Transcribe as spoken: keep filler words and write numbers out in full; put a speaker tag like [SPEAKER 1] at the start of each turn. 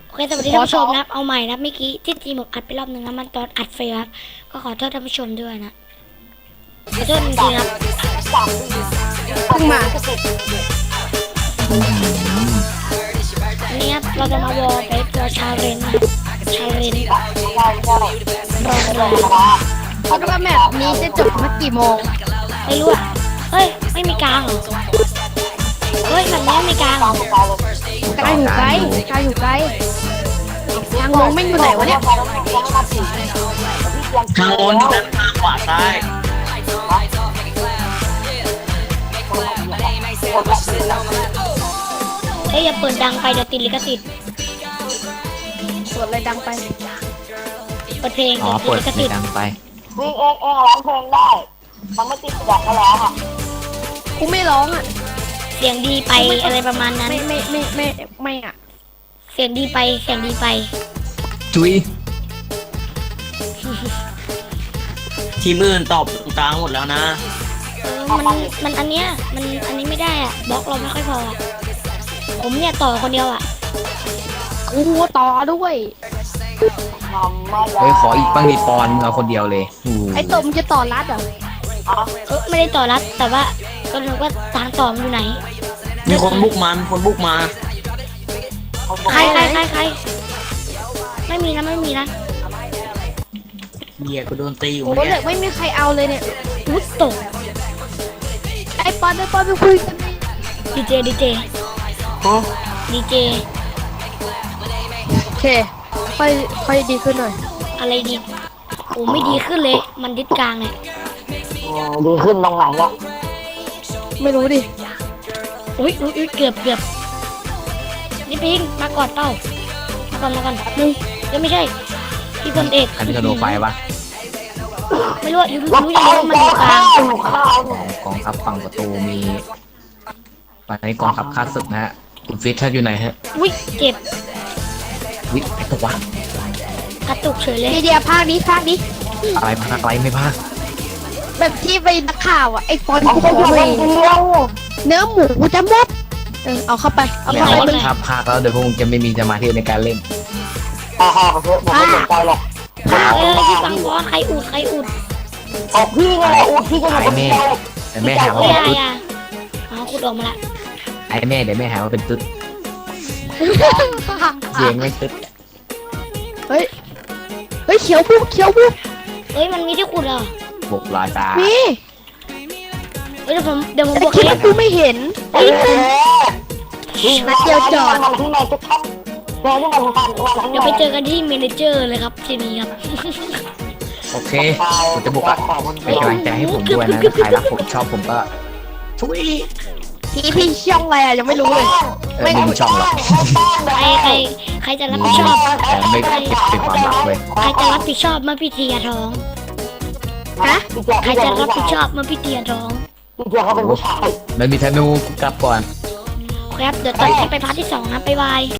[SPEAKER 1] โอเคสวัสดีท่านผู้ชมนะครับเอาใหม่นะเมื่อกี้ที่จีหมกอัดไปรอบหนึ่งนะมันตอนอัดเฟลครับก็ขอโทษท่านผู้ชมด้วยนะขอโทษจริงๆครับ
[SPEAKER 2] เพิ่งมา
[SPEAKER 1] วันนี้ครับเราจะมาวอลไปตัวชาเรนนะชาเรนรองเลย
[SPEAKER 2] คิดว่าแมปนี้จะจบเมื่อกี่โมง
[SPEAKER 1] ไม่รู้อ่ะเฮ้ยไม่มีกลางเหรอเฮ้ยแบบนี้ไม่มีกลางเหรอ
[SPEAKER 2] ไกลอยู่ไกลไกลอยู่ไกลทางลงไม่อยู่ไหนวะเนี่ย
[SPEAKER 3] ทางโน้นที่ด้านข้างขวาซ้าย
[SPEAKER 1] เฮ้ยอย่าเปิดดังไปเดี๋ยวติดลิขสิทธิ์
[SPEAKER 2] สวดอะไรดังไป
[SPEAKER 1] เปิดเพลง
[SPEAKER 4] อ๋อ
[SPEAKER 1] เดี๋ยวติ
[SPEAKER 4] เปิ
[SPEAKER 1] ด
[SPEAKER 4] ด
[SPEAKER 1] ลิขสิทธิ์
[SPEAKER 4] ไม่ดังไป
[SPEAKER 5] วิ่งเองเองร้องเพลงได้ มันไม่ติดดักก็แล้วอ่ะ
[SPEAKER 2] กูไม่ร้องอ่ะ
[SPEAKER 1] เสียงดีไปอะไรประมาณนั้น
[SPEAKER 2] ไม่ไม่ไม่ไม่ไม่อ่ะ
[SPEAKER 1] เสียงดีไปเสียงดีไป
[SPEAKER 4] จุย
[SPEAKER 3] ทีมอื่นตอบตรงกลางหมดแล้วนะ
[SPEAKER 1] เออมันมันอันเนี้ยมันอันนี้ไม่ได้อ่ะบล็อกเราไม่ค่อยพออะผมเนี่ยต่อคนเดียวอ่ะ
[SPEAKER 2] กูต่อด้วย
[SPEAKER 5] ทำไม่ได้
[SPEAKER 4] เฮ้ยขออีกบ้างดิปอนเอาคนเดียวเลยโอ้โห
[SPEAKER 2] ไอ้ตมจะต่อรัดเหรอ
[SPEAKER 1] เออไม่ได้ต่อรัดแต่ว่าก็นึกว่าทางต่อมันอยู่ไหน
[SPEAKER 3] มีคนบุกมามีคนบุกมา
[SPEAKER 1] ใครใครใครใครไม่มีนะไม่มีนะ
[SPEAKER 3] เฮียกูโดนตีอยู่
[SPEAKER 2] โอ้
[SPEAKER 3] เมื่อ
[SPEAKER 2] เหล็
[SPEAKER 3] กี้
[SPEAKER 2] กไม่มีใครเอาเลยเนี่ย
[SPEAKER 1] วุ้ตก
[SPEAKER 2] ไอ้ปอนไอ้ปอนไปคุยกันดิ
[SPEAKER 1] ดีเจดีเจดีเจ
[SPEAKER 2] โอเคค่อยค่อยดีขึ้นหน่อย
[SPEAKER 1] อะไรดีโอ้ไม่ดีขึ้นเลย มันดิดกลางเนี่ย
[SPEAKER 5] ดีขึ้นตรงไหนเนี่ย
[SPEAKER 2] ไม่รู้ดิ
[SPEAKER 1] อุ้ยอุ้ยอุ้ยเกือบเกือบนี่ปิงมากอดเป้ามาก่อนมาก่อนหนึ่งยังไม่ใช่พี่พลเอก
[SPEAKER 4] อันนี้ก็โดนไฟปะ
[SPEAKER 1] ไม่รู้อะรู้รู้อย่างเดียวว่ามันอยู่กลาง
[SPEAKER 4] กองทัพฝั่งประตูมีตอนนี้กองทัพข้าศึกนะฮะคุณฟิตท่านอยู่ไหนฮะ
[SPEAKER 1] อุ้ยเจ็บ
[SPEAKER 4] วิไอ้ตัววะ
[SPEAKER 1] กระตุกเฉยเลย
[SPEAKER 2] เดียวภาคนี้ภาคนี้
[SPEAKER 4] อะไรพากอะไรไม่พาก
[SPEAKER 2] แบบที่ไปนักข่าวอ่ะไอ้ปอน
[SPEAKER 5] มัน
[SPEAKER 2] กู
[SPEAKER 5] จะอยู่
[SPEAKER 2] เล
[SPEAKER 5] ใน
[SPEAKER 2] ย
[SPEAKER 5] เดียว
[SPEAKER 2] เนื้อหมูกูจะหมดเออเอาเข้าไปเอา
[SPEAKER 4] แล้ว
[SPEAKER 2] เข้าไป
[SPEAKER 4] ถ้าพากแล้วเดี๋ยวพวกมึงจะไม่มีสมาธิในการเล่น
[SPEAKER 5] อ่าๆเถอะผมไม่สนใจหรอก
[SPEAKER 1] เออพี่ฟังก่อนใครอุดใครอุด
[SPEAKER 5] ออกพี่ไงอูพี่ก็อยู่คนเดียว
[SPEAKER 4] แต่แม่หาว่า
[SPEAKER 1] ไม่
[SPEAKER 4] เป็น
[SPEAKER 1] ได้
[SPEAKER 4] ตุ๊ด
[SPEAKER 1] อะอ๋อขุดออกมาละ
[SPEAKER 4] ไอ้แม่เดี๋ยวแม่หาว่าเป็นตุ๊ดเสียงไม่ตุ๊ด
[SPEAKER 2] เฮ้ยเฮ้ยเขียวปุ๊บเขียวปุ๊บ
[SPEAKER 1] เอ้ยมันมีที่ขุดเหรอ
[SPEAKER 4] บกลอยตา
[SPEAKER 2] มี
[SPEAKER 1] เอ้ยเดี๋ยวผมเดี๋ยวผม
[SPEAKER 2] แต่
[SPEAKER 1] บอก
[SPEAKER 2] คิด
[SPEAKER 1] เอง
[SPEAKER 2] ว่ากูไม่เห็น
[SPEAKER 5] เออ
[SPEAKER 2] นัดเดียวจอด
[SPEAKER 5] มันที่ไหนจะชัดเจอที่มันทำวันที่
[SPEAKER 1] เดี๋ยวไปเจอกันที่เมเนเจอร์เลยครับทีนี้ครับ
[SPEAKER 4] โอเคผมจะบุกอะเป็นกำลังใจให้ผมด้วยนะใครรักผมชอบผมก็ทุย
[SPEAKER 2] พี่พี่ช่องอะไรอ่ะยังไม่รู้เลย
[SPEAKER 4] เออไม่มีช่องหรอก
[SPEAKER 1] ใครใครใครจะรับ
[SPEAKER 4] มี
[SPEAKER 1] ผิดชอบ
[SPEAKER 4] แต่ไม่เก็บเป็นความลับเลย
[SPEAKER 1] ใครจะรับผิดชอบเมื่อพี่เทียท้อง
[SPEAKER 2] ฮะ
[SPEAKER 1] ใครจะรับผิดชอบเมื่อพี่เทียท้อง
[SPEAKER 5] พี่เจ้าเขาเป็นผู้ชาย
[SPEAKER 4] มันมีธนูกลับก่อน
[SPEAKER 1] ครับเดี๋ยวตอนนี้ไปพาร์ทที่สองนะบ๊ายบาย